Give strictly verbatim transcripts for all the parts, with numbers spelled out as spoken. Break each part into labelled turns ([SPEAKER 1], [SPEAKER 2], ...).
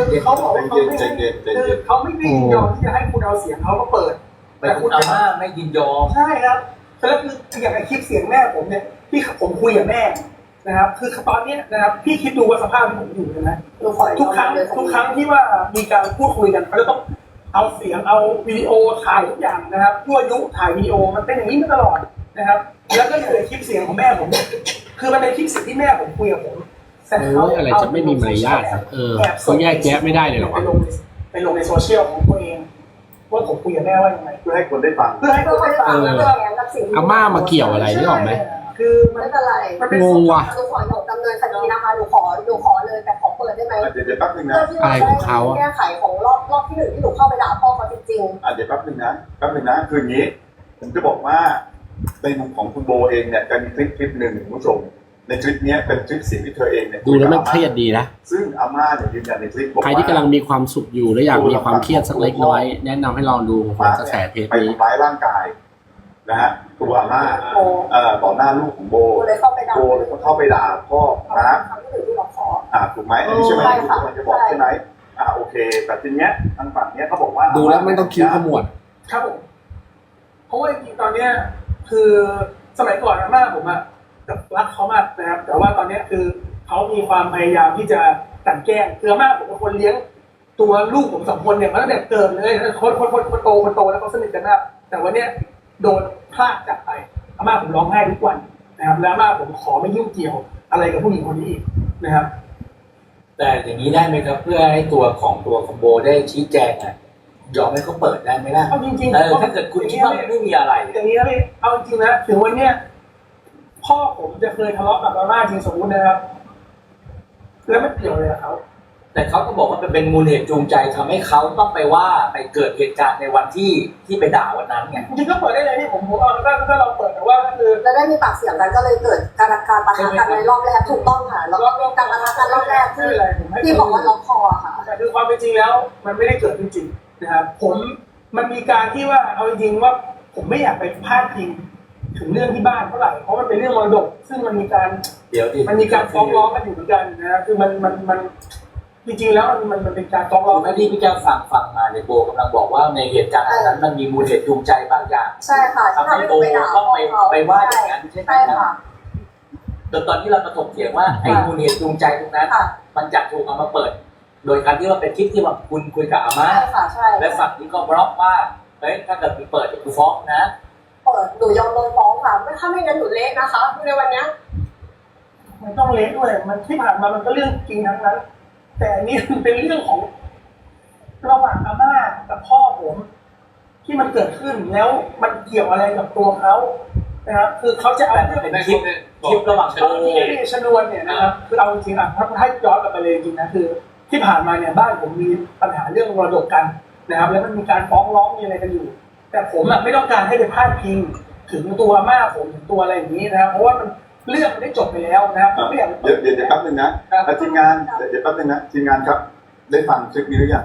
[SPEAKER 1] เขาบอกว่าเขาไม่คือเขาไม่ได้ยินยอมที่จะให้คุณเอาเสียงเขามาเปิด
[SPEAKER 2] แต่คุณอาม่าไม่ยินยอม
[SPEAKER 1] ใช่ครับแล้วคืออย่างไอคลิปเสียงแม่ผมเนี่ยที่ผมคุยกับแม่นะครับคือตอนนี้นะครับพี่คิดดูว่าสภาพที่ผมอยู่นะทุกครั้งทุกครั้งที่ว่ามีการพูดคุยกันเขาจะต้องเอาเสียงเอาวิดีโอถ่ายทุกอย่างนะครับยั่วยุถ่ายวิดีโอมันเป็นอย่างนี้มาตลอดนะครับแล้วก็อยู่ในคลิปเสียงของแม่ผมคือมันเป็นคลิปเสียงที่แม่ผมคุยกับผม
[SPEAKER 3] แต่เขาอะไรจะไม่มีมารยาทเออเขาแยกแยะไม่ได้เลยหรอวะ
[SPEAKER 1] ไปลงไปลงในโซเชียลของตัวเองว่าผมคุยกับแม่ว่ายังไง
[SPEAKER 4] เพื่อให้คนได้ฟัง
[SPEAKER 1] เพื่อให้คนได้ฟัง
[SPEAKER 3] อาม่ามาเกี่ยวอะไรนี่ออกไหม
[SPEAKER 1] คือ
[SPEAKER 5] ไม่เป็นไรง
[SPEAKER 3] งว่ะ
[SPEAKER 5] หนูขอหนูดำเนินคดีนะคะหนูขอหนูขอเลยแต่ขอเปิดได้ไหม
[SPEAKER 4] เดี๋ยวเดี๋ยวแป๊บนึงนะ
[SPEAKER 3] อะไรของเขา
[SPEAKER 5] แก้ไขของรอบรอบที่หนึ่งที่หนูเข้าไปด่าพ่อเขาจริง
[SPEAKER 4] ๆอ่ะเดี๋ยวแป๊บนึงนะแป๊บนึงนะคืออย่างนี้ผมจะบอกว่าในมุมของคุณโบเองเนี่ยจะมีคลิปคลิปหนึ่งคุณผู้ชมในคลิปนี้เป็นคลิปเสียงที่เธอเองเนี่ย
[SPEAKER 3] ดูแล้วมันเครียดดีนะ
[SPEAKER 4] ซึ่งอาม่าเนี่ยยืนยันในคลิปบอกว่า
[SPEAKER 3] ใครที่กำลังมีความสุขอยู่และอยากมีความเครียดสักเล็กน้อยแนะนำให้ลองดูกระแสเทป
[SPEAKER 4] นี้ไปทำร้ายร่างกายนะฮะตัวอาม่าเอ่อต่อหน้าลูกของโบโบเลยเข้าไปด่าโบเลยเข้าไปด่าพ่อนะอ่าถูกไหมอันนี้ใช่ไหมที่กำลังจะบอกใช่ไหมอ่าโอเคแต่ทีเนี้ยทางฝั่งเนี้ยเขาบอกว่า
[SPEAKER 3] ดูแล้วไม่ต้องคิ้วขมวด
[SPEAKER 1] ครับผมเพราะว่าจริงๆตอนเนี้ยคือสมัยก่อนอาม่าผมอะรักเขามากนะครับแต่ว่าตอนนี้คือเขามีความพยายามที่จะกลั่นแกล้งคืออาม่าผมเป็นคนเลี้ยงตัวลูกผมสองคนเนี่ยมาตั้งแต่เกิดเลยคนคนคนคนโตคนโตแล้วเขาสนิทกันมากแต่วันนี้โดนพลาดจากไปอาม่าผมร้องไห้ทุกวันนะครับแล้วอาม่าผมขอไม่ยุ่งเกี่ยวอะไรกับผู้หญิงคนนี้อีกนะครับ
[SPEAKER 2] แต่อย่างนี้ได้ไหมครับเพื่อให้ตัวของตัวของโบได้ชี้แจงอ่ะยอมให้เขาเปิดได้ไหมล่ะ
[SPEAKER 1] เอาจริงๆ
[SPEAKER 2] เออถ้าเกิดคุณคิดว่าไม่มีอะไร
[SPEAKER 1] อย่างนี้พี่เอาจริงนะถึงวันเนี้ยพ่อผมจะเคยทะเลาะกับอาม่าจริงสมมตินะครับแล้วไม่เกี่ยวเลยกับเขา
[SPEAKER 2] แต่เขาก็บอกว่าเป็นมูลเหตุจูงใจทำให้เขาต้องไปว่าไปเกิดเหตุการณ์ในวันที่ที่ไปด่าวันนั้นไง
[SPEAKER 1] จริงๆก็เปิดได้เลยนี่ผมผมเอาถ้าถ้าเราเปิดแต่ว่าก็คือ
[SPEAKER 5] แล้วได้มีปากเสียงกันก็เลยเกิดการการปะทะกันในรอบแรกถูกต้องค่ะแล้วก็การปะทะกันรอบแรกที่ที่บอกว่าล็อกคอค่ะ
[SPEAKER 1] แต่คือความเป็นจริงแล้วมันไม่ได้เกิดจริงๆนะครับผมมันมีการที่ว่าเอาจริงๆว่าผมไม่อยากไปพาดพิงถึงเรื่องที่บ้านเท่าไหร่เพราะมันเป็นเรื่องมรดกซึ่งมันมีการ
[SPEAKER 2] เดี๋ยวดิ
[SPEAKER 1] มันมีการฟ้องร้องกันอยู่เหมือนกันนะคือมันมันมันจริงๆแล้วมันมันมันเป็นการฟ้องร้อง
[SPEAKER 2] ไม่ที่พี่แก้วฟังฟังมาในโบกำลังบอกว่าในเหตุการณ์นั้นมันมีมูลเหตุจูงใจบางอย่าง
[SPEAKER 5] ใช่ค่ะ
[SPEAKER 2] ทำให้โบต้องไปไปว่าอย่างนั้นใช่ไหมครับแต่ตอนที่เรามาถกเถียงว่าไอ้มูลเหตุจูงใจตรงนั้นมันจะถูกเอามาเปิดโดยการที่ว่าเป็นคลิปที่ว่าคุณคุยกับอาม่าและฝั่งนี้ก็บล็อกว่าเฮ้ยถ้าเกิดมีเปิดเดี๋ยวกูฟ้องนะ
[SPEAKER 5] เปิดหนูยอมโดนฟ้องค่ะไม่ถ้าไม่งั้นหนูเละนะคะในวันนี้
[SPEAKER 1] มันต้องเละด้วยมันที่ผ่านมามันก็เรื่องจริงทั้งนั้นแต่อันนี้มันเป็นเรื่องของระหว่างอาม่ากับพ่อผมที่มันเกิดขึ้นแล้วมันเกี่ยวอะไรกับตัวเขานะครับคือเขาจะเอาเรื่อง
[SPEAKER 2] เป็นคลิปคลิประหว่าง
[SPEAKER 1] เขาที่ชนวนเนี่ยนะครับคือเอาจริงๆอ่ะถ้าให้ย้อนกลับไปเลยจริงนะคือที่ผ่านมาเนี่ยบ้านผมมีปัญหาเรื่องมรดกกันนะครับแล้วมันมีการฟ้องร้องมีอะไรกันอยู่แต่ผมอ่ะไม่ต้องการให้ไปพาดพิงถึงตัวอาม่าผมถึงตัวอะไรอย่างนี้นะครับเพราะว่ามันเรื่องมันได้จบไปแล้วนะครับ
[SPEAKER 4] เดี๋ยวเดี๋ยวเดี๋ยวแป๊บนึงนะทีมงานเดี๋ยวแป๊บนึงนะทีมงานครับได้ฟังคลิปนี้หรือยัง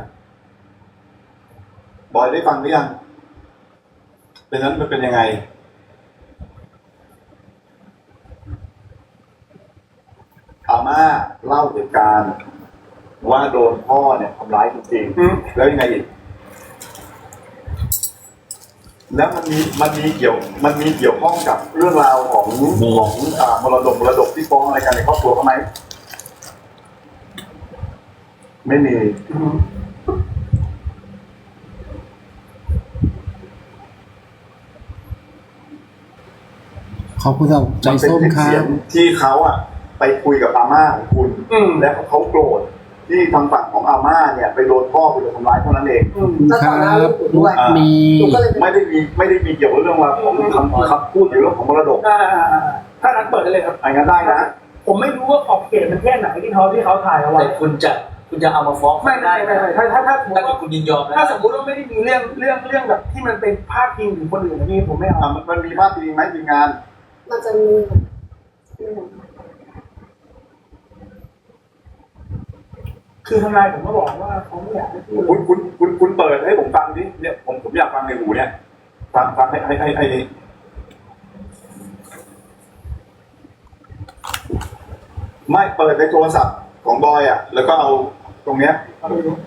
[SPEAKER 4] บอยได้ฟังหรือยังเป็นนั้นมันเป็นยังไงอาม่าเล่าเหตุการณ์ว่าโดนพ่อเนี่ยทำร้ายจริงๆแล้วยังไงอีกแล้วมันมีมันมีเกี่ยวมันมีเกี่ยวข้องกับเรื่องราวของของอ่ามรดกมรดกที่ฟ้องอะไรกันในครอบครัวเขาไหมไม่มี
[SPEAKER 3] ขอบคุณสำหรับใจส้มครับ
[SPEAKER 4] ที่เขาอ่ะไปคุยกับอาม่าของคุณและเขาโกรธที่ทางฝั่งของอาม่าเนี่ยไปโดนพ่อไปโดนทำร้ายเท่านั้นเอง
[SPEAKER 3] ครับมี
[SPEAKER 4] ไม่ได้มีไม่ได้มีเกี่ยวกับเรื่องว่าของคำคำพูดหรือเรื่องของมรดก
[SPEAKER 1] ถ้านั้นเปิดได้เลยครับ
[SPEAKER 4] อันนั้นได้นะ
[SPEAKER 1] ผมไม่รู้ว่าขอบเขตมันแค่ไหนที่เขาที่เขาถ่ายเอาไว้
[SPEAKER 2] แต่คุณจะคุณจะเอามาฟ้อง
[SPEAKER 1] ไม่ได้ไม่ได้ถ้าถ้าถ้า
[SPEAKER 2] ถ้าคุณยินยอม
[SPEAKER 1] ถ้าสมมติว่าไม่ได้มีเรื่องเรื่องเรื่องแบบที่มันเป็นพาดพิงถึงคนอื่นนี่ผมไม่เอา
[SPEAKER 4] มันมีพาดพิงไหมทีมงาน
[SPEAKER 5] มันจะมี
[SPEAKER 1] คือทนายผมก็บอกว่าเขาไม่อยากให้พูด
[SPEAKER 4] คุณคุณคุณคุณเปิดให้ผมฟังดิเนี่ยผมผมอยากฟังในหูเนี่ยฟังฟังให้ให้ให้ให้ไม่เปิดในโทรศัพท์ของบอยอ่ะแล้วก็เอาตรงเนี้ย
[SPEAKER 1] ครับคุณรู้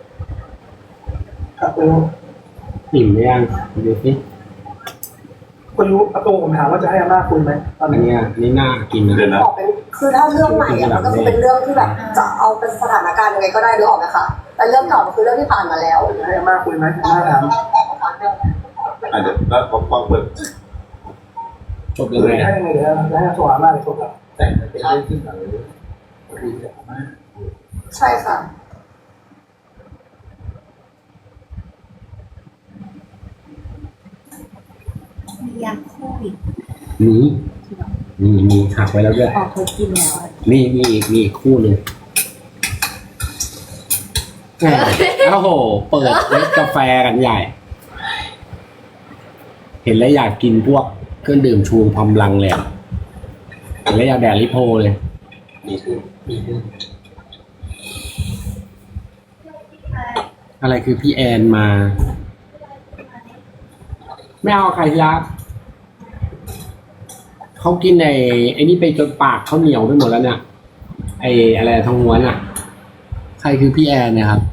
[SPEAKER 1] ครับคุณรู้
[SPEAKER 3] อิ่มหรือยังดูสิ
[SPEAKER 1] คุณรู้ประตูผมถามว่าจะให้อาม่าคุยไหมตอน
[SPEAKER 3] อัน
[SPEAKER 1] นี้
[SPEAKER 3] เนี้ยนี่น่ากินนะ
[SPEAKER 4] เดี๋ยวนะ
[SPEAKER 5] บอกเป็นคือถ้าเรื่องใหม่อะมันก็คือเป็นเรื่องที่แบบจะเอาเป็นสถานการณ์ยังไงก็ได้นึกออกไหมคะแต่เรื่องเก่ามันคือเรื่องที่ผ่านมาแล้ว
[SPEAKER 1] จะให้อาม่าคุยไหมอาม่าถาม
[SPEAKER 4] อ่ะเดี๋ยวแล้วพอฟังเปิด
[SPEAKER 3] จบยังไง
[SPEAKER 1] ให้ยังไงเดี๋ยวให้โทรหาอาม่าเลยโทรกลับ
[SPEAKER 2] แต่มันเป็นเรื่องที่แบบคุยกับอาม่า
[SPEAKER 5] ใช่ค่ะ
[SPEAKER 6] มียาโควิด
[SPEAKER 3] มีมีมีหักไว้แล้วด้วย
[SPEAKER 6] ออกเขากินแล้ว
[SPEAKER 3] มีมีอีกมีอีกคู่หนึ่งแหมโอ้โห เปิดเล็กกาแฟกันใหญ่ เห็นแล้วอยากกินพวกเครื่องดื่มชูกำลังเลยอะเห็นแล้วอยากแดดลิโพเลย
[SPEAKER 2] ดีขึ้นดีขึ้น
[SPEAKER 3] อะไรคือพี่แอนมา ไม่เอาใครรักเขากินไอ้ไอ้นี่ไปจนปากเขาเหนียวไปหมดแล้วเนี่ยไอ้อะไรทองม้วนอ่ะ ใครคือพี่แอนเนี่ยครับ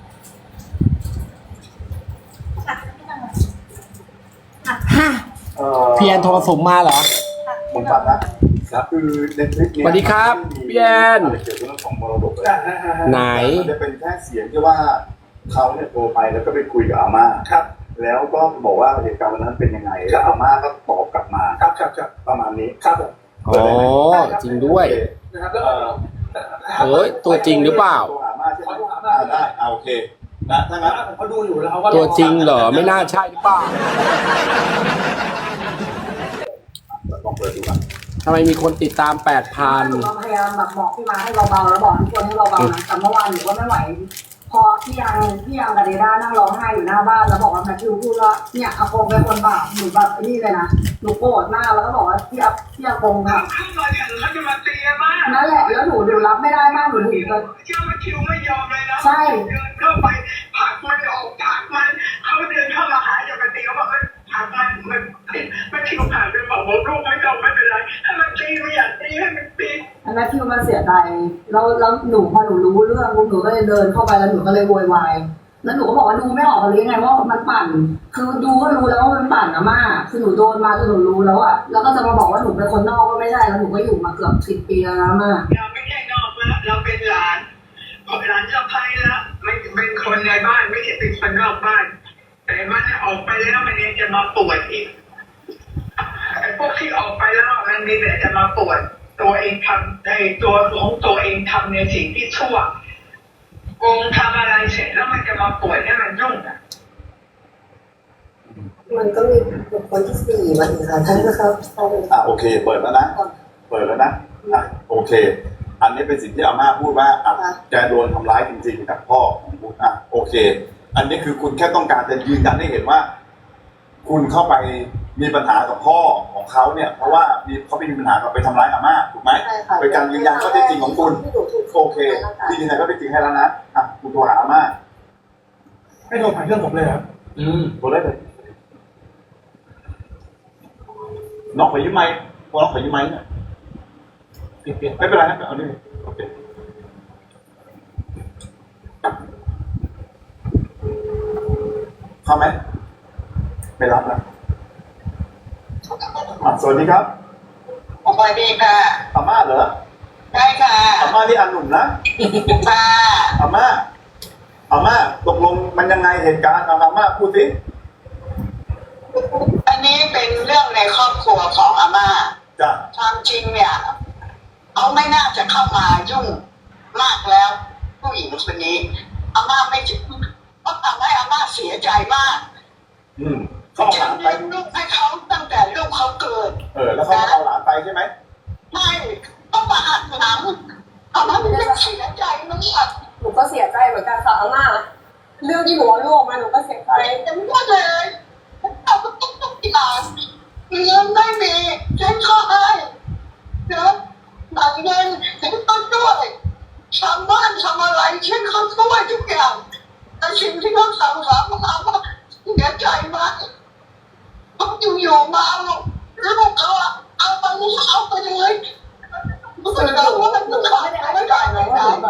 [SPEAKER 3] ฮะ
[SPEAKER 4] เอ่อ
[SPEAKER 3] พี่แอนโทรสมมาเหรอ
[SPEAKER 4] ผมฟังนะครับคือในคลิปเนี้ย
[SPEAKER 3] สวัสดีครับพี่แอน
[SPEAKER 4] อะไรเกี่ยวกับเรื่องของมรดกเลย
[SPEAKER 1] อ่าอ่าอ่า
[SPEAKER 3] ไหน
[SPEAKER 4] มันจะเป็นแค่เสียงที่ว่าเขาเนี่ยโทรไปแล้วก็ไปคุยกับอาม่า
[SPEAKER 1] ครับ
[SPEAKER 4] แล้วก็บอกว่าเหตุการณ์วันนั้นเป็นยังไงแล้วอาม่าก็ตอบกลับมา
[SPEAKER 1] ครับครับครับ
[SPEAKER 4] ประมาณนี้
[SPEAKER 1] ครับผม
[SPEAKER 3] อ๋อจริงด้วย
[SPEAKER 1] นะครับแล้ว
[SPEAKER 4] เอ่อ
[SPEAKER 3] เอ้ยตัวจริงหรือเปล่า
[SPEAKER 4] โทรหาอาม่าใช่ไหมอ่าได้เอาโอเคนะถ้างั้น
[SPEAKER 1] เขาดูอยู่แล้วเขาก็
[SPEAKER 3] ตัวจริงเหรอไม่น่าใช่หรือเปล่า
[SPEAKER 4] ลองเปิดดูกัน
[SPEAKER 3] ทำไมมีคนติดตามแปดพัน
[SPEAKER 5] หนูก็พยายามแบบบอกพี่มาให้เบาๆแล้วบอกทุกคนให้เบาๆนะแต่เมื่อวานหนูก็ไม่ไหว พอพี่ยังพี่ยังกับเดด้านั่งร้องไห้อยู่หน้าบ้านแล้วบอกว่าแมทธิวพูดว่าเนี่ยอาโกงเป็นคนบาปหนูแบบนี่เลยนะหนูโกรธมากแล้วก็บอกว่าพี่อาพี่อาโกงค่ะ
[SPEAKER 7] เข้ามาถึงเขาจะมาตีมาก
[SPEAKER 5] นั่นแหละแล้วหนูหนูรับไม่ได้มากหนูถึงจะ
[SPEAKER 7] เจ้ามาคิวไม่ยอมเลยนะ
[SPEAKER 5] ใช่
[SPEAKER 7] เดินเข้าไปผลักมันออกผลักมันเขาเดินเข้ามาหาจะมาตีเขาบอกว่าผลักมันมันมันคิวผ่านไปบอกว่าลูกไม่ต้องไม่เป็นไรถ้ามันตีไม่อยากตีให้มันตี
[SPEAKER 5] อันนั้นที่มันเสียใจแล้วแล้วหนูพอหนูรู้เรื่องหนูก็เลยเดินเข้าไปแล้วหนูก็เลยโวยวายแล้วหนูก็บอกว่าดูไม่ออกเลยไงว่ามันปั่น คือดูก็รู้แล้วว่ามันปั่นอะมากคือหนูโดนมาจนหนูรู้แล้วอะแล้วก็จะมาบอกว่าหนูเป็นคนนอกก็ไม่ใช่แล้วหนูก็อยู่มาเกือบสิบปีแล้วนะมาก
[SPEAKER 7] เราไม่ใช่นอกแล้วเราเป็นหลานพอหลานสะใภ้แล้วไม่เป็นคนในบ้านไม่ใช่เป็นคนนอกบ้าน แต่มันออกไปแล้วมันยังจะมาปวดอีกไอ้พวกที่ออกไปแล้วมันมีแต่จะมาปวดตัวเองทำในตัวของตัวเองทำในสิ่งที่ชั่วโกงทำอะไรเสร็จแล้วมันจะมาปวดให้มันยุ่งอ่ะ
[SPEAKER 5] มันก็มีบุคคลที่สี่มาอีกค่ะท่านนะครับ
[SPEAKER 4] อ่ะโอเค เปิดแล้วนะ เปิดแล้วนะอ่ะโอเค อันนี้เป็นสิ่งที่อาม่าพูดว่าอ่ะแกโดนทำร้ายจริงๆจากพ่อของคุณอ่ะโอเค อันนี้คือคุณแค่ต้องการจะยืนยันให้เห็นว่า คุณเข้าไปมีปัญหากับพ่อของเขาเนี่ย เพราะว่ามีเขาไปมีปัญหากับไปทำร้ายอาม่าถูกไหม
[SPEAKER 5] ใช่ค่ะ
[SPEAKER 4] เป็นการยืนยันข้อเท็จจริงของคุณ
[SPEAKER 5] ที่หนูถูก
[SPEAKER 4] โอเคที่ยืนยันข้อเท็จจริงให้แล้วนะอ่ะคุณโทรหาอาม่า
[SPEAKER 1] ให้โทรผ่านเครื่องผมเลยครับ
[SPEAKER 2] อืม
[SPEAKER 4] โทรได้เลยน้องขอยืมไมค์พอน้องขอยืมไมค์เนี่ย
[SPEAKER 2] เปลี่ยนเปลี่ยน
[SPEAKER 4] ไม่เป็นไรนะเอาดิโอเคเข้าไหมไม่รับนะอ่ะสวัสดีครับ
[SPEAKER 7] สวัสดีค่ะ
[SPEAKER 4] อาม่าเหรอ
[SPEAKER 7] ใช่ค่ะ
[SPEAKER 4] อาม่านี่อันหนุ่มนะ
[SPEAKER 7] ค่ะ
[SPEAKER 4] อาม่าอาม่าตกลงมันยังไงเหตุการณ์เอาอาม่าพูดสิ
[SPEAKER 7] อันนี้เป็นเรื่องในครอบครัวของอาม่า
[SPEAKER 4] จ้ะ
[SPEAKER 7] ความจริงเนี่ยเขาไม่น่าจะเข้ามายุ่งมากแล้ว ผู้หญิงคนนี้อาม่าไม่ถึงเพราะทำให้อาม่าเสียใจมาก
[SPEAKER 4] อืมเขาเอาห
[SPEAKER 7] ฉั
[SPEAKER 4] ลาน นไป
[SPEAKER 7] เลี้ยงลูกให้เขาตั้งแต่ลูกเขาเกิด
[SPEAKER 4] เออแล้วเขาเอาหลานไปใช่ไหม
[SPEAKER 7] ไม่ต้องมาหักหลังอาม่าไม่ได้เสียใจมาก
[SPEAKER 5] หนูก็เสียใจเหมือนกันค่ะอาม่าเรื่องที่หนูเอาลูกออกมาหนูก็เสียใจ
[SPEAKER 7] แต่ไม่ได้เลยเราก็ต้องต้องกีฬาเงินไม่มีฉันก็ให้เนาะหลังเงินฉันก็ด้วยทำบ้านทำอะไรฉันเขาช่วยทุกอย่างแต่สิ่งที่เขาสั่งสอนมาว่าเสียใจมากเขาอยู่ๆมาลูกเขาเอาไปเอาไปเลยรู้สึกว่ามัน
[SPEAKER 5] หนู
[SPEAKER 7] ขา
[SPEAKER 5] ก็
[SPEAKER 7] ด
[SPEAKER 5] ไม่ได้อ
[SPEAKER 7] ไม่
[SPEAKER 5] ธิ
[SPEAKER 7] ได้
[SPEAKER 5] บาย
[SPEAKER 7] เล
[SPEAKER 5] นะ
[SPEAKER 7] ย
[SPEAKER 5] ว่าหนู
[SPEAKER 7] นะ
[SPEAKER 5] แบบ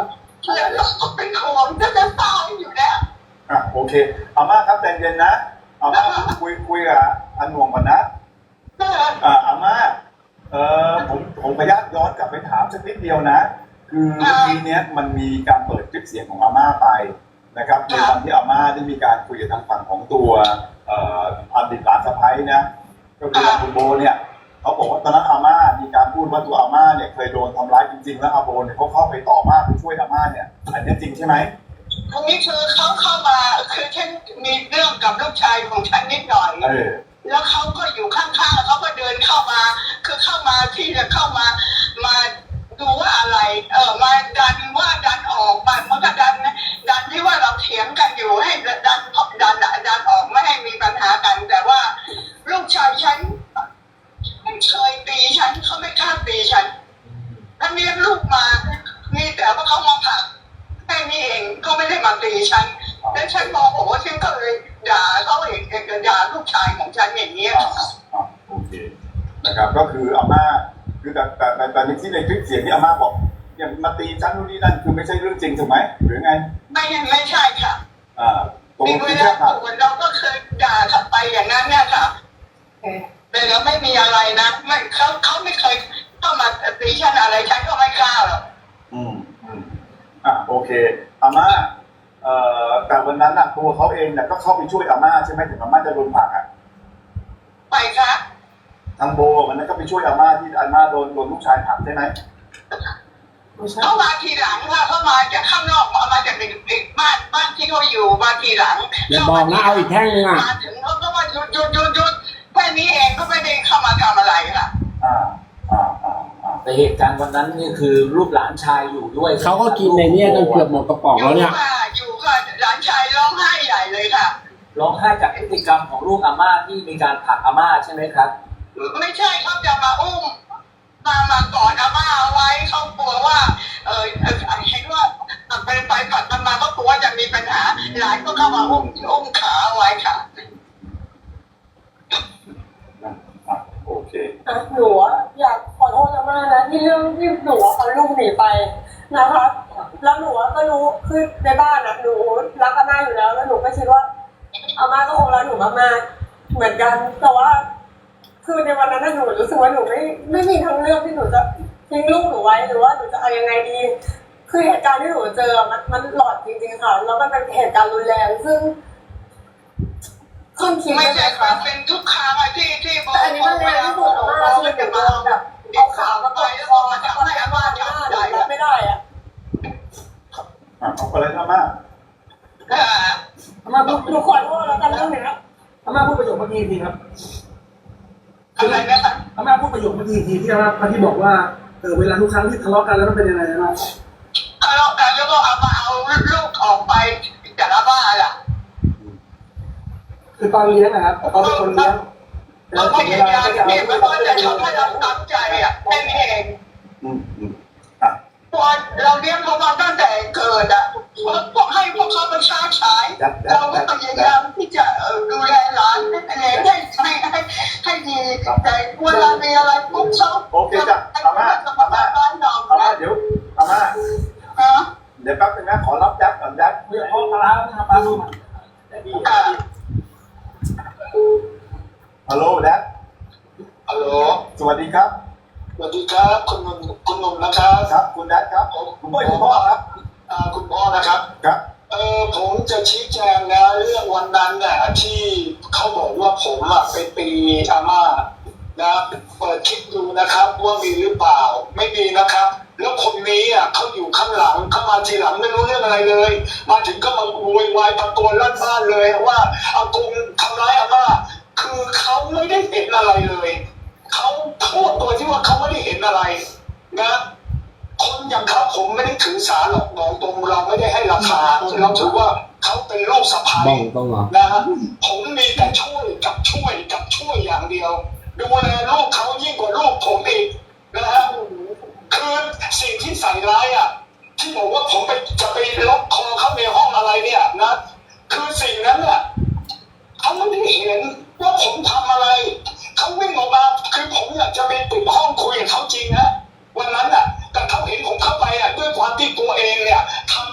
[SPEAKER 7] แล้วเราก็เป็นห่วงจะจะตายอยู่แล้ว
[SPEAKER 4] อ่ะโอเคอาม่าครับใจเย็นนะอาม่าคุยคุยกับอันหน่วงก่อนนะอ่าอาม่าเอ่อผมผมพยายามย้อนกลับไปถามสักนิดเดียวนะ คือเมื่อกี้เนี้ยมันมีการเปิดคลิปเสียงของอาม่าไปนะครับในวันที่อาม่าได้มีการคุยกับทางฝั่งของตัวเอ่ออดีตหลานสะใภ้นะก็คือคุณโบเนี่ยเขาบอกว่าตอนนั้นอาม่ามีการพูดว่าตัวอาม่าเนี่ยเคยโดนทำร้ายจริงๆแล้วอาโบเนี่ยเขาเข้าไปต่อว่าไปช่วยอาม่าเนี่ยอันนี้จริงใช่ไหม
[SPEAKER 7] ตรงนี้คือเขาเข้ามาคือฉันมีเรื่องกับลูกชายของฉันนิดหน่อย
[SPEAKER 4] เออ
[SPEAKER 7] แล้วเขาก็อยู่ข้างๆเขาก็เดินเข้ามา คือเข้ามาที่จะเข้ามามาดูว่าอะไร เออมาดันว่าดันออกมามันก็ดันดันที่ว่าเราเถียงกันอยู่ให้ดันดันดันออกไม่ให้มีปัญหากัน แต่ว่าลูกชายฉันไม่เคยตีฉันเขาไม่กล้าตีฉันถ้าเลี้ยงลูกมามีแต่ว่าเขามาผลักแค่นี้เองก็ไม่ได้มาตีฉันแล้วฉันมองโอ้ฉันก็เลยด่าเขาเองด่าลูกชายของฉันอย่างเงี้ย
[SPEAKER 4] อ่าโอเคนะครับก็คืออาม่าคือแต่แต่แต่แต่ในที่ในคลิปเสียงที่อาม่าบอกเนี่ยมาตีฉันนู่นนี่นั่นคือไม่ใช่เรื่องจริงถูกไหมหรือไง
[SPEAKER 7] ไม่ไม่ใช่ค่ะ
[SPEAKER 4] อ่าตรง
[SPEAKER 7] มี
[SPEAKER 4] นี้
[SPEAKER 7] เว
[SPEAKER 4] คือ
[SPEAKER 7] ลา
[SPEAKER 4] แค่
[SPEAKER 7] ปวดเราก็เคยด่ากลับไปอย่างนั้นเนี่ยค่ะแต่เราไม่มีอะไรนะไม่เขาเขาไม่เคยเข้ามาตีฉันอะไรฉันก็ไม่กล้าหรอก
[SPEAKER 4] อืมอืมอ่าโอเคอาม่าเอ่อแต่วันนั้นน่ะตัวเขาเองเนี่ยก็เข้าไปช่วยอาม่าใช่ไหมถึงอาม่าจะโดนผลักอ่ะ
[SPEAKER 7] ไปค่ะ
[SPEAKER 4] ทางโบวันนั้นก็ไปช่วยอาม่าที่อาม่าโดนโดนลูกชายผลักใช่ไหม
[SPEAKER 7] เขามาทีหลังค่ะเขามาจากข้างนอกมามาจากเด็กๆบ้านบ้านที่เขาอยู่มาทีหลัง
[SPEAKER 3] อย่าบอกนะเอาอีกแท่งนึงอ่ะ
[SPEAKER 7] มาถึงเขาก็มาหยุดหยุดหยุดหยุดแค่นี้เองก็ไม่ได้เข้ามาทำอะไรค่ะ
[SPEAKER 4] อ่าอ่าอ่าอ่า
[SPEAKER 2] แต่เหตุการณ์วันนั้นนี่คือลูกหลานชายอยู่ด้วย
[SPEAKER 3] เขาก็กินในเนี่ยจนเกือบหมดกระป๋องแล้วเนี่ย
[SPEAKER 7] อยู่ค่ะอยู่ค่ะหลานชายร้องไห้ใหญ่เลยค่ะ
[SPEAKER 2] ร้องไห้จากพฤติกรรมของลูกอาม่าที่มีการผลักอาม่าใช่ไหมครับ
[SPEAKER 7] ไม่ใช่เขาจะมาอุ้มมามากอดอาม่าเอาไว้เขากลัวว่า เออเออเห็นว่าเป็นไปผัดมันมาก็กลัวจะมีปัญหาหลานก็เข้ามาอุ้มอุ้มขาเอาไว้ค่ะ
[SPEAKER 4] อ่ะโอเค
[SPEAKER 8] หนูอยากขอโทษอาม่านะที่เรื่องที่หนูเอาลูกหนีไปนะคะแล้วหนูก็รู้คือในบ้านนะหนูรักอาม่าอยู่แล้วแล้วหนูก็คิดว่าอาม่าก็คงรักหนูมากๆเหมือนกันแต่ว่าคือในวันนั้นหนูรู้สึกว่าหนูไม่ไม่มีทางเลือกที่หนูจะทิ้งลูกหนูไว้หรือว่าหนูจะเอายังไงดีคือเหตุการณ์ที่หนูเจอมันมันหลอดจริงๆค่ะแล้วมันเป็นเหตุการณ์รุนแรงซึ่งคนคิด
[SPEAKER 7] ไม่
[SPEAKER 8] ไม่
[SPEAKER 7] ใช่
[SPEAKER 8] ใช่ค่ะ
[SPEAKER 7] เป็นทุกครั้งอะที่ที่บอก
[SPEAKER 8] แต่อันนี้มันแรงที่สุดมากคือจะมาแบบเอาขามาตบคอมาทำให้อาม่าทำได้รับไม่ได้อะ
[SPEAKER 4] อ่ะเอาอะไรนะอาม่า
[SPEAKER 7] อ่า
[SPEAKER 1] อาม่าพูด
[SPEAKER 8] หนูขอโทษแล้วกันเรื่องนี้
[SPEAKER 1] อาม่าพูดประโยคเมื่อกี้ทีครับ
[SPEAKER 7] อะไรนะคะ
[SPEAKER 1] อาม่าพูดประโยคเมื่อกี้ทีที่อาม่าที่บอกว่าเออเวลาทุกครั้งที่ทะเลาะกันแล้วมันเป็นยังไงนะ
[SPEAKER 7] ทะเลาะกันแล้วก็เอามาเอาลูกออกไปจากอาม่าล่ะ
[SPEAKER 1] คือตอนเลี้ยงนะครับเขาเป็นคนเลี้ยง
[SPEAKER 7] เราพยายามเนี่ยไม่ว่าจะทำให้เราตั้งใจอ่ะแค่นี้เอง
[SPEAKER 4] อืมอืมอ่ะ
[SPEAKER 7] พอเราเลี้ยงเขามาตั้งแต่เกิดอ่ะพวกให้พวกเขาเป็นชาติชายเราก็พยายามที่จะดูแลหลานให้ให้ให้ให้ให้ดีแต่เวลามีอะไรปุ๊บเขา
[SPEAKER 4] โอเคจ้ะอาม่าอาม่า
[SPEAKER 7] บ้านเรา
[SPEAKER 4] อาม่าเดี๋ยวอาม่า
[SPEAKER 7] ฮะ
[SPEAKER 4] เดี๋ยวแป๊บนึงนะขอรับแจ๊บก่อนแจ๊บ
[SPEAKER 1] เพื่อพ่อปลาร้านะครับปลาลูกมันได้ดี
[SPEAKER 7] อ่า
[SPEAKER 4] ฮัลโหลแจ๊บ
[SPEAKER 9] ฮัลโหล
[SPEAKER 4] สวัสดีครับ
[SPEAKER 9] สวัสดีครับคุณหนุ่มคุณหนุ่มนะครับ
[SPEAKER 4] ครับคุณแจ๊บครับผมคุณพ่อคุณพ่อครับ
[SPEAKER 9] อ่าคุณพ่อนะครับ
[SPEAKER 4] ครับ
[SPEAKER 9] เออผมจะชี้แจงนะเรื่องวันนั้นน่ะที่เขาบอกว่าผมอ่ะไปตีอาม่านะเปิดคลิปดูนะครับว่ามีหรือเปล่าไม่มีนะครับ แล้วคนนี้อ่ะเขาอยู่ข้างหลังเขามาทีหลังไม่รู้เรื่องอะไรเลย มาถึงก็มาโวยวายตะโกนลั่นบ้านเลยว่าอากงทำร้ายอาม่าคือเขาไม่ได้เห็นอะไรเลยเขาพูดตัวที่ว่าเขาไม่ได้เห็นอะไรนะคนอย่างเขาผมไม่ได้ถือสาหรอกมองตรงเราไม่ได้ให้ราคาเราถือว่าเขาเป็นลูกสะใภ้
[SPEAKER 3] บ้องต้องเหรอ
[SPEAKER 9] นะฮะผมมีแต่ช่วยกับช่วยกับช่วยอย่างเดียวดูแลลูกเขายิ่งกว่าลูกผมอีกนะฮะคือสิ่งที่ใส่ร้ายอ่ะที่บอกว่าผมไปจะไปล็อกคอเขาในห้องอะไรเนี่ยนะคือสิ่งนั้นอ่ะเขาไม่ได้เห็นว่าผมทำอะไรเขาวิ่งออกมาคือผมอยากจะไปปิดห้องคุยกับเขาจริงนะวันนั้นอ่ะแต่เขาเห็นผมเข้าไปอ่ะด้วยความที่ตัวเองเนี่ยท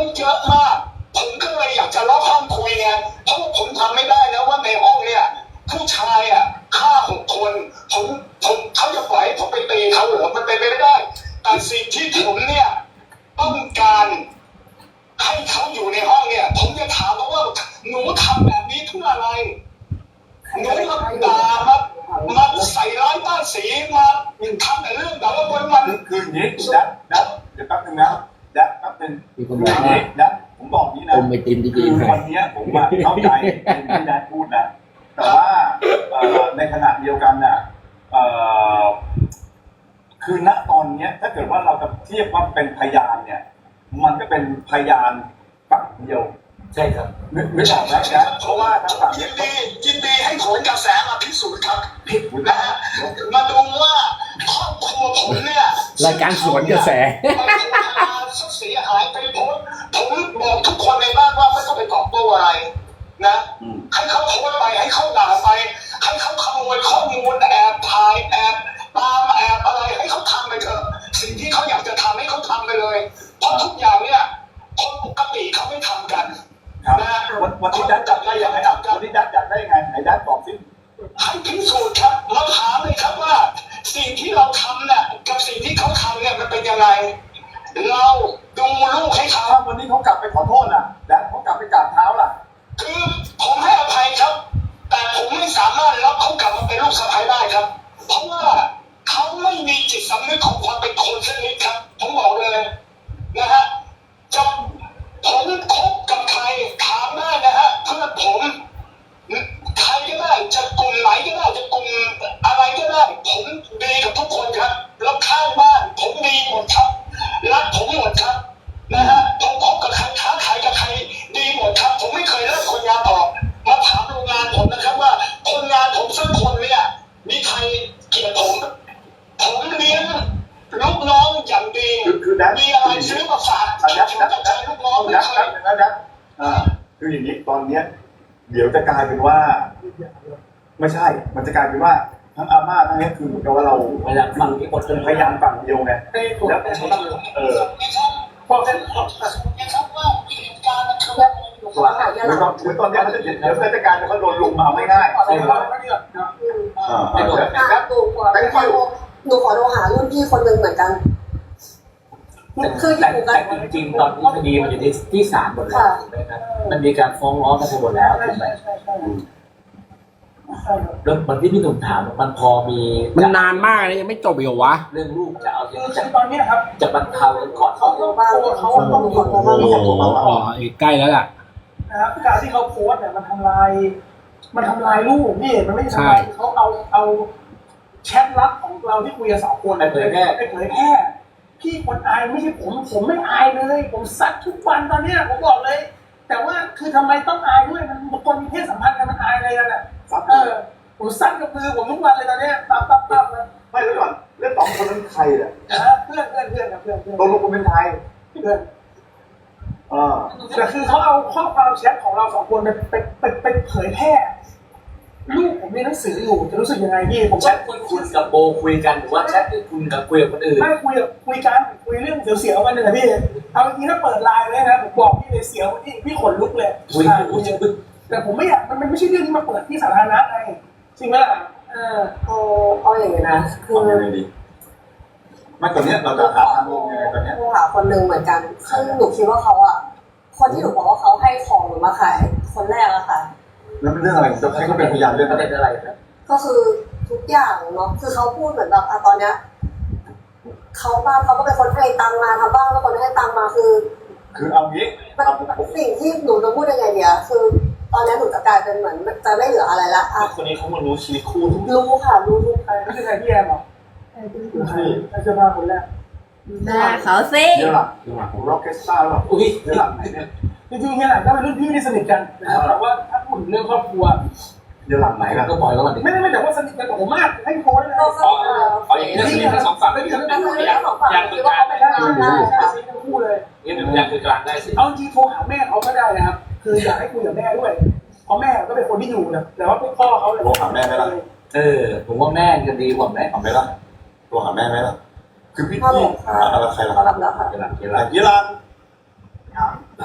[SPEAKER 9] เยอะมากผมก็เลยอยากจะล็อกห้องคุยไงเพราะผมทำไม่ได้แล้วว่าในห้องเนี่ยผู้ชายอ่ะฆ่าหกคนผมผมเขาจะปล่อยให้ผมไปตีเขาเหรอมันเป็นไปไม่ได้แต่สิ่งที่ผมเนี่ยต้องการให้เขาอยู่ในห้องเนี่ยผมจะถามเขาว่าหนูทำแบบนี้เพื่ออะไรหนูมาด่ามามาใส่ร้ายป้ายสีมาทำแต่เรื่องแบบว่าวันวัน
[SPEAKER 4] คือคืออย่างนี้ดัดดัดเดี๋ยวแป๊บนึงนะดัดแป๊บนึง
[SPEAKER 3] มีคน
[SPEAKER 4] คื
[SPEAKER 3] บ
[SPEAKER 4] อ
[SPEAKER 3] อก
[SPEAKER 4] อย่าง
[SPEAKER 3] ว่า
[SPEAKER 4] นี้ดัดผมบอกนี้นะ
[SPEAKER 3] อมไอติมดี
[SPEAKER 4] คือ
[SPEAKER 3] ๆ
[SPEAKER 4] วันเนี้ยผมอะเข้าใจที่ดัดพูดนะแต่ว่าเอ่อในขณะเดียวกันน่ะเอ่อคือณตอนเนี้ยถ้าเกิดว่าเราจะเทียบว่าเป็นพยานเนี่ย มันก็เป็นพยานฝั่งเดียว
[SPEAKER 2] ใช่ครับ
[SPEAKER 4] นึกนึกออกไหมนะเพราะว่าทางฝั่ง
[SPEAKER 9] ยิ
[SPEAKER 4] เนี้ย
[SPEAKER 9] นดียินดีให้ผลกระแสมาพิสูจน์ครับ
[SPEAKER 4] ผิด
[SPEAKER 9] นะฮะมาดูว่าครอบครัวผมเนี่ย
[SPEAKER 3] รายการสวนกระแส
[SPEAKER 9] มันถูกทำลายเสียหายไปหมดผมบอกทุกคนในบ้านว่าไม่ต้องไปตอบโต้อะไรนะให้เขาโพสต์ไปให้เขาด่าไปให้เขาขโมยข้อมูลแอบถ่ายแอบตามแอบอะไรให้เขาทำไปเถอะสิ่งที่เขาอยากจะทำให้เขาทำไปเลยเพราะทุกอย่างเนี่ยคนปกติเขาไม่ทำกัน
[SPEAKER 4] ครับ
[SPEAKER 9] นะ
[SPEAKER 4] วันวันที่ดัดจับได้ยังไงอ่ะวันที่ดัดจับได้ยังไงไหนดัดบอกสิ
[SPEAKER 9] ให้พิสูจน์ครับมาถามเลยครับว่า สิ่งที่เราทำเนี่ยกับสิ่งที่เขาทำเนี่ยมันเป็นยังไงเราดูลูกให้เขา
[SPEAKER 4] ถ้าวันนี้เขากลับไปขอโทษล่ะดัดเขากลับไปกราบเท้าล่ะ
[SPEAKER 9] คือผมให้อภัยครับ แต่ผมไม่สามารถรับเขากลับมาเป็นลูกสะใภ้ได้ครับ เพราะว่าเขาไม่มีจิตสำนึกของความเป็นคนสักนิดครับ ผมบอกเลยนะฮะจะผมคบกับใครถามได้นะฮะเพื่อนผมใครก็ได้จะกลุ่มไหนก็ได้จะกลุ่มอะไรก็ได้ผมดีกับทุกคนครับแล้วข้างบ้านผมดีหมดครับรักผมหมดครับนะฮะผมคบกับใครค้าขายกับใครดีหมดครับผมไม่เคยเลิกคนงานออกมาถามโรงงานผมนะครับว่าคนงานผมสักคนเนี่ยมีใครเกลียดผมผมเลี้ยงลูกน้องอย่างดี
[SPEAKER 4] คือคือดัด
[SPEAKER 9] มีอะไรซื้อมาฝาก
[SPEAKER 4] อ่ะดัด
[SPEAKER 9] ผม
[SPEAKER 4] ดัด
[SPEAKER 9] จะ
[SPEAKER 4] ดั
[SPEAKER 9] ใช้
[SPEAKER 4] ด
[SPEAKER 9] ลูกน้องไม่
[SPEAKER 4] ดัด
[SPEAKER 9] เค
[SPEAKER 4] ดั
[SPEAKER 9] ย
[SPEAKER 4] ดดัดดัดอ่าคืออย่างนี้ตอนเนี้ย เดี๋ยวจะกลายเป็นว่า ไม่ใช่ มันจะกลายเป็นว่าทั้งอาม่าทั้งเนี้ยคือเหมือนกับว่าเรา
[SPEAKER 2] พยานฝั่งที่หมด
[SPEAKER 4] เป็นพยานฝั่งเดียวไง
[SPEAKER 1] ให้ผม
[SPEAKER 4] แล้ว
[SPEAKER 1] ได้
[SPEAKER 4] เออ
[SPEAKER 1] พอแค่พอ
[SPEAKER 9] นะครับว่าเหตุการณ์มันคือ
[SPEAKER 5] หนูขอหายา
[SPEAKER 4] เหมือน
[SPEAKER 5] ห
[SPEAKER 4] ต
[SPEAKER 5] ลั
[SPEAKER 4] อง นเหมือนตอนเนี้ยเขาจะเดี๋ยวราชการเขาโดนลุมมาเอาง่ายๆ
[SPEAKER 1] ใช่ครับไม่เดือดนะ
[SPEAKER 4] อ่าอ่าเดี๋ยว
[SPEAKER 5] อ่ะ
[SPEAKER 4] นะครับ
[SPEAKER 5] หนูขอหนูขอโทรหารุ่นพี่คนหนึ่งเหมือนกัน คือ
[SPEAKER 2] แต่
[SPEAKER 5] อยู่กั
[SPEAKER 2] แต่
[SPEAKER 5] น
[SPEAKER 2] จริงๆตอนนี้คดีมันอยู่ที่ที่ศาลหมดแล้วถูกไหมครับมันมีการฟ้องร้องกันไปหมดแล้วถูกไหม
[SPEAKER 1] ใช่ใช่ใช่
[SPEAKER 2] แล้วมันที่พี่หนุ่มถามมันพอมี
[SPEAKER 3] มันนานมากเลยยังไม่จบอีกเหรอวะ
[SPEAKER 2] เรื่องลูกจะเอา
[SPEAKER 1] คือ
[SPEAKER 2] จะ
[SPEAKER 1] ตอนนี้ครับ
[SPEAKER 2] จะบรรเทากันก่อน
[SPEAKER 1] เขาต้องตัวเขาต้องมี
[SPEAKER 3] โอ้โหอ๋อใกล้แล้วล่ะ
[SPEAKER 1] นะครับการที่เขาโพสเนี่ยมันทำลาย มันทำลายลูกนี่มันไม่ใช่ทำลายเขาเอาเอาแชทลับของเราที่คุยกันสองคนไปเผยแพร่ไปเผยแพร่พี่คนอายไม่ใช่ผมผมไม่อายเลย ผมซัดทุกวันตอนเนี้ยผมบอกเลย แต่ว่าคือทำไมต้องอายด้วยมันคนมีเพศสัมพันธ์กันมันอายอะไรกันอ่ะเออผมซัดกับมือผมทุกวันเลยตอนเนี้ยปั๊บปั๊บปั๊บเลย
[SPEAKER 4] ไม่แล้วก่อนเรื่องสองคนนั้นใครอ่ะ
[SPEAKER 1] นะเพื่อนเพื่อนเพื่อนกับเพื่อนเพื่อน
[SPEAKER 4] ตกลงคุณเป็นใคร
[SPEAKER 1] เพื่อน
[SPEAKER 4] อ่า
[SPEAKER 1] แต่คือเขาเอาข้อความแชทของเราสองคนไปไปไปไปเผยแพร่ลูกผมมีหนังสืออยู่จะรู้สึกยังไงพี่ผม
[SPEAKER 2] แชทที่คุณกับโบคุยกันหรือว่าแชทที่คุณกับคุยกับคนอื่น
[SPEAKER 1] ไม่คุยกับคุยกันคุยเรื่องเสียวๆกันเลยนะพี่เอาจริงๆถ้าเปิดไลน์เลยนะผมบอกพี่เลยเสียวพี่พี่ขนลุกเลย
[SPEAKER 2] คุย
[SPEAKER 1] ใช่
[SPEAKER 2] คุยคุย
[SPEAKER 1] แต่ผมไม่อยากมันมันไม่ใช่เรื่องที่มาเปิดที่สาธารณะไงจริงไหมล่ะเออ
[SPEAKER 5] เอาเอาอย่างนี้นะคือ
[SPEAKER 4] ทำยังไงดีไม่ตอนเนี้ยเราจะหาทางลงยังไงตอนเนี้ย
[SPEAKER 5] โทรหาคนหนึ่งเหมือนกันซึ่งหนูคิดว่าเขาอ่ะคนที่หนูบอกว่าเขาให้ของหนูมาขายคนแรกอะค่ะ
[SPEAKER 4] แล้วเป็นเรื่องอะไรจะให้เขาเป็นพยานเรื่อง
[SPEAKER 2] ป
[SPEAKER 4] อะ
[SPEAKER 2] ระ
[SPEAKER 4] ไร
[SPEAKER 2] เด็นอะไรครับ
[SPEAKER 5] ก็คือทุกอย่างเนาะคือเขาพูดเหมือนแบบอะตอนเนี้ยเขาบ้านเขาก็เป็นคนให้ตังมาทำบ้านก็คนให้ตังมาคือ
[SPEAKER 4] คือเอางี้
[SPEAKER 5] มัน
[SPEAKER 4] เอาผม
[SPEAKER 5] สิ่งที่หนูจะพูดยังไงเดียคือ ตอนนี้หนูจะกลายเป็นเหมือนจะไม่เหลืออะไรละอ่ะ
[SPEAKER 4] คนนี้เขามารู้ชีวิตคู่ทุก
[SPEAKER 5] รู้ค่ะรู้ทุก
[SPEAKER 1] ใครไม่ใช่ใครพี่แอมหรอใครใครเสื้อผ้าคนแรก
[SPEAKER 6] หน้าเขาสิ
[SPEAKER 4] เดี๋ยวหลังร็อกเก็ตสตาร์หรอ
[SPEAKER 2] อุ้ย
[SPEAKER 4] เดี๋ยวหลังไหนเนี่ย
[SPEAKER 1] จริงๆเฮียหลังก็เป็นรุ่นพี่ที่สนิทกันนะครับแต่ว่าถ้าพูดถึงเรื่องครอบครัว
[SPEAKER 4] เดี๋ยวหลังไหนกัน
[SPEAKER 2] ก็ปล่อยเขาก่อนดิ
[SPEAKER 1] ไม่ได้ไม่แต่ว่าสนิทกันกับผมมากให้โพสเลย
[SPEAKER 5] ก็
[SPEAKER 1] นะ
[SPEAKER 5] ก็เออ
[SPEAKER 2] เอาอย่างนี้นะสนิททั้งสองฝั่ง
[SPEAKER 1] ไม่มี
[SPEAKER 5] แต่คือเรื่องของฝั่งคิดว่าเขาเป็น
[SPEAKER 1] ใช่
[SPEAKER 5] ทาง
[SPEAKER 1] ใช่
[SPEAKER 5] ได้
[SPEAKER 1] ใช่
[SPEAKER 5] ค่ะ
[SPEAKER 1] สนิททั้งคู่เลย
[SPEAKER 2] นี่เป็นพยานคือกลางได้สิ
[SPEAKER 1] เอาจริงโทรหาแม่เขาก็ได้นะครับ คืออยากให้คุยกับแม่ด้วย เพราะแม่ก็เป็นคนที่อยู่นะแต่ว่าพวกพ่อเขาเลย
[SPEAKER 4] โทรหาแม่ไหมล่ะ
[SPEAKER 2] เออผมว่าแม่จะดีกว่าไหม
[SPEAKER 4] ทำไหมล่ะโทรหาแม่ไหมล่ะคือพี่
[SPEAKER 5] พ่อ
[SPEAKER 4] พี่
[SPEAKER 5] บอกค่ะ
[SPEAKER 4] อะไรใครล่ะ
[SPEAKER 5] เขารับแล้วค่ะ
[SPEAKER 2] เวลาเว
[SPEAKER 4] ห
[SPEAKER 2] ลา
[SPEAKER 4] ลังยี่ลาน
[SPEAKER 2] อ่า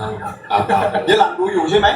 [SPEAKER 3] เอาต่อ
[SPEAKER 4] เดี๋ยวหลังดูอยู่ใช่ไหม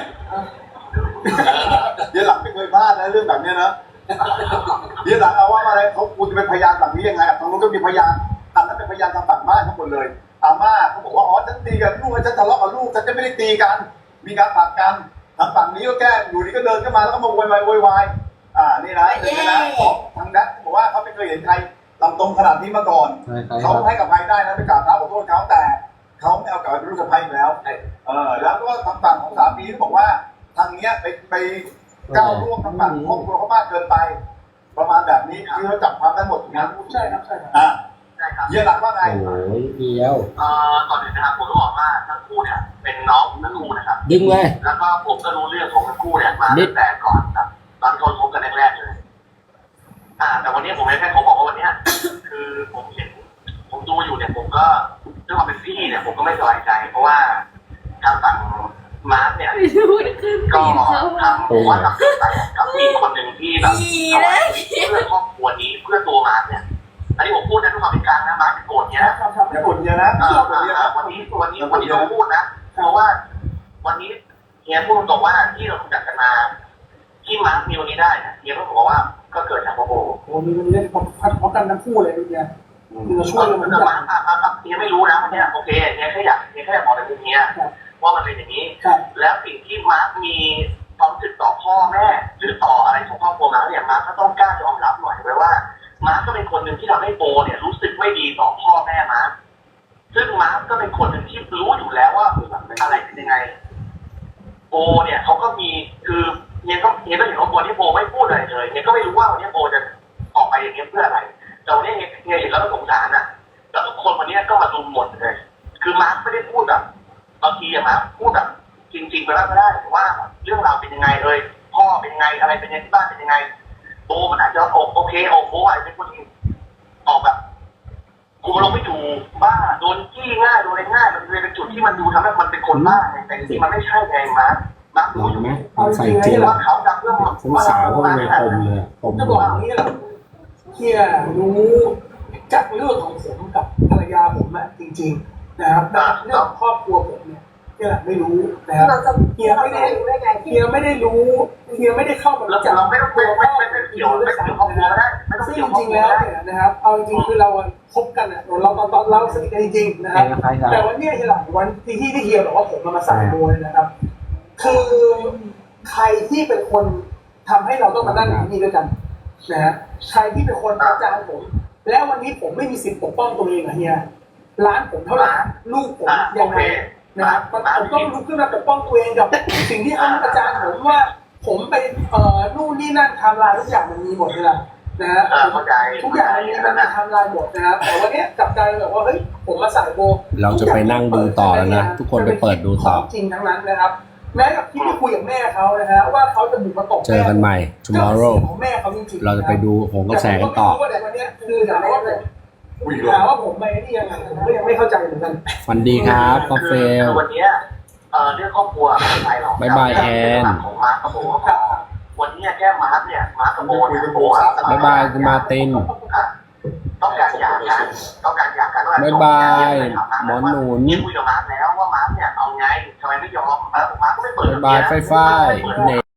[SPEAKER 4] เดี๋ยวหลังไม่เคยพลาดนะเรื่องแบบเนี้ยนะเดี๋ยวหลังเอาว่าอะไรเขาคุณจะเป็นพยานแบบนี้ยังไงทางนู้นก็มีพยานอันนั้นเป็นพยานทางฝั่งบ้านทั้งหมดเลยอาม่าเขาบอกว่าอ๋อฉันตีกันลูกฉันทะเลาะกับลูกฉันจะไม่ได้ตีกันมีการผลักกันทางฝั่งนี้ก็แก้อยู่ดีก็เดินเข้ามาแล้วก็มาโวยวายโวยวายอ่านี่นะเดี๋ยวนะของทางแดนบอกว่าเขาไม่เคยเห็นใครลำตรงขนาดนี้มาก่อนเขาให้กับใครได้นะไปกราบเท้าขอโทษเขาแต่เขาไม่เอากลับไปเป็นลูกสะใภ้แล้วเออแล้วก็ทางฝั่งของสามีก็บอกว่าทางเนี้ยไปไปก้าวล่วงทางฝั่งครอบครัวเขามากเกินไป ประมาณแบบนี้คือเขาจับความได้หมดถูกไหม
[SPEAKER 1] ใช่ครับใช่ครับ
[SPEAKER 4] อ่า
[SPEAKER 7] ใช่ครับ
[SPEAKER 4] เยี่ยหลังว่าไง
[SPEAKER 3] โอ้ยเดียว
[SPEAKER 7] เอ่อก่อนอื่นนะครับผมต้องบอกว่าทั้งคู่เนี่ยเป็นน้องทั้งคู่นะครับ
[SPEAKER 3] ดึงเลย
[SPEAKER 7] แล้วก็ผมก็รู้เรื่องของทั้งคู่เนี่ยมาตั้งแต่ก่อนครับตอนที่เขาคบกันแรกๆเลย อ่า แต่วันนี้ผมแค่ขอบอกว่าวันเนี้ยคือผมเห็น ผมดูอยู่เนี่ยผมก็ด้วยความเป็นพี่เนี่ยผมก็ไม่สบายใจ เพราะว่าทางฝั่งมาร์คเนี่ยก็ทำผมว่าทำเกินไปกับผู้หญิงคนหนึ่งที่แบบเอาไว้เพื่อครอบครัวนี้เพื่อตัวมาร์คเนี่ยอันนี้ผมพูดนะด้วยความเป็นกลางนะมาร์คเป็นโกรธเนี่ยนะ
[SPEAKER 1] ครับครับ
[SPEAKER 4] อย่ากดเยอะนะ
[SPEAKER 7] เออ
[SPEAKER 4] อย่ากดเยอะนะ
[SPEAKER 7] วันนี้วันนี้วันนี้ต้องพูดนะเพราะว่าวันนี้เฮียพูดตรงๆว่าที่เรารู้จักกันมาที่มาร์คมีวันนี้ได้เนี่ยเฮียก็บอกว่าก็เกิดจากโบโบ
[SPEAKER 1] โอ้มีมันเล่นพร้อมกันทั้งคู่เลยเนี่ยคือเราช่วยกันเหมือน
[SPEAKER 7] แต่
[SPEAKER 1] กั
[SPEAKER 7] มาน ร์คอ่ะอ่ะอ่ะเฮียไม่รู้นะวันเนี้ยโอเคเฮียแค่อยากเฮียแค่อยากบอกในมุมเฮียว่ามันเป็นอย่างนี้
[SPEAKER 1] ครับ
[SPEAKER 7] แล้วสิ่งที่มาร์คมีความรู้สึกต่อพ่อแม่หรือต่ออะไรของครอบครัวมาร์คเนี่ยมาร์คก็ต้องกล้ายอมรับหน่อยไว้ว่ามาร์คก็เป็นคนหนึ่งที่ทำให้โบเนี่ยรู้สึกไม่ดีต่อพ่อแม่มาร์คซึ่งมาร์คก็เป็นคนหนึ่งที่รู้อยู่แล้วว่าอะไรเป็นยังไงโบเนี่ยเขาก็มีคือเฮียก็เฮียก็เห็นว่าโบที่โบไม่พูดอะไรเลยเฮียก็ไม่รู้ว่าวันนี้โบจะออกไปอย่างนี้เพื่ออะไรแต่วันนี้เฮียเฮียเห็นแล้วก็สงสารอ่ะแล้วทุกคนวันนี้ก็มารุมหมดเลยคือมาร์คไม่ได้พูดแบบบางทีอะมาร์คพูดแบบจริงๆไปแล้วก็ได้ว่าเรื่องราวเป็นยังไงเลยพ่อเป็นยังไงอะไรเป็นยังไงที่บ้านเป็นยังไงโบมันอาจจะโอโอเคโอโบอาจจะเป็นคนที่ออกแบบกูเราไม่อยู่บ้าโดนจี้ง่ายโดนอะไรง่ายมันเลยเป็นจุดที่มันดูทำให้มันเป็นคนบ้าไงแต่จริงๆมันไม่ใช่ไงมาร์คมาร์ค
[SPEAKER 3] ล
[SPEAKER 7] รู้
[SPEAKER 3] อง
[SPEAKER 7] อยู่
[SPEAKER 3] ไหมลองใส่เจล
[SPEAKER 7] ว่าเขาทำเรื่อง
[SPEAKER 3] สงสารเขาเป็นปมเลยปม
[SPEAKER 1] จะบอกอย่างนี้แหละเฮียรู้จากเรื่องของผมกับภรรยาผมอะจริงๆนะครับแต่เรื่องของครอบครัวผมเนี่ยเฮียไม่รู้นะครับ
[SPEAKER 5] เราจะ
[SPEAKER 1] เฮียไม่ได้
[SPEAKER 5] รู้ได้ไง
[SPEAKER 1] เฮียไม่ได้รู้เฮียไม่ได้เข้ามา
[SPEAKER 7] เรา
[SPEAKER 1] รู้จัก
[SPEAKER 7] เราไม่ต้อง
[SPEAKER 1] ตั
[SPEAKER 7] ไม่
[SPEAKER 1] วพ่
[SPEAKER 7] ไม่
[SPEAKER 1] อ
[SPEAKER 7] ไม่ไม่เกี่ยวไม่เกี่ยวครอบครัวก็ได้ไม่ต้อง
[SPEAKER 1] ซึ่ง
[SPEAKER 7] เกี่ยว
[SPEAKER 1] จ
[SPEAKER 7] ครอบ
[SPEAKER 1] ริง
[SPEAKER 7] ค
[SPEAKER 1] ๆ
[SPEAKER 7] รัว
[SPEAKER 1] แล้ว
[SPEAKER 7] ได้
[SPEAKER 1] เนี่ยนะครับเอาจริงๆคือเราคบกันอะเราตอนตอนเราสนิทกันจริงๆนะครับ
[SPEAKER 3] ใครครับ
[SPEAKER 1] แต่วันเนี้ยที่หลังวันที่ที่ที่เฮียบอกว่าผมมาใส่โบยนะครับ คือใครที่เป็นคนทำให้เราต้องมานั่งอยู่นี่ด้วยกันนะฮะใครที่เป็นคนประจานผม แล้ววันนี้ผมไม่มีสิทธิ์ปกป้องตัวเองอะเฮียร้านผมเท่าไหร่ลูกผม
[SPEAKER 7] อ่ะ
[SPEAKER 1] ยัง
[SPEAKER 7] โอ
[SPEAKER 1] ไง
[SPEAKER 7] เค
[SPEAKER 1] นะครับผมต้องลุกขึ้นมาปกป้องตัวเองกับสิ่งที่เขาประจานผมว่า ผมไปเอ่อนู่นนี่นั่นไทำลายทุกอย่างมันมีหมดเลยนะนะฮะ
[SPEAKER 7] เออเข้าใจ
[SPEAKER 1] ทุกอย่างมันมีมันมีไทำลายหมดนะครับแต่วันเนี้ยกลับกลายเป็นแบบว่าเฮ้ยผมมาใส่โบ
[SPEAKER 3] เราจะไปนั่งดูต่อแล้วนะทุกคนไปเปิดดูต่อ
[SPEAKER 1] จริงทั้งนั้นนะครับแม้กับที่ไปคุยกับแม่เขานะฮะว่าเขาจะบุกมาตบ
[SPEAKER 3] เจอกันใหม่ tomorrow
[SPEAKER 1] ของแม่เขาจริงๆ
[SPEAKER 3] เราจะไปดูโหงกระแสกันต่อ
[SPEAKER 1] แต่ผมก็ไม่รู้ว่าแต่วันเนี้ยคือถามว่าผมถามว่าผมไปนี่ยังไงผมก็ยังไม่เข้าใจเหมือนกัน
[SPEAKER 3] ฟันดีครับกาเฟล
[SPEAKER 7] คือวันเนี้ยเอ่อเรื่องครอบครัวไม่เป็นไรหรอก
[SPEAKER 3] บ๊ายบายแอน
[SPEAKER 7] ของมาร์คกับโบก็พอวันนี้แค่มาร์คเนี่ยมาร์คกับโบเนี่ยโบอ่ะ
[SPEAKER 3] บ๊ายบายคุณมาร์ติน
[SPEAKER 7] อ่ะต้องการหย่ากันต้องการหย่ากันว่า
[SPEAKER 3] บ๊ายบายหมอหนุน
[SPEAKER 7] นี่คุยกับมาร์คแล้วว่ามาร์คเนี่ยเอาไงทำไมไม่ยอมมาร์คมาร์คก็ไม่เปิด
[SPEAKER 3] บ๊ายบายไฟฟ้ายคุณเอก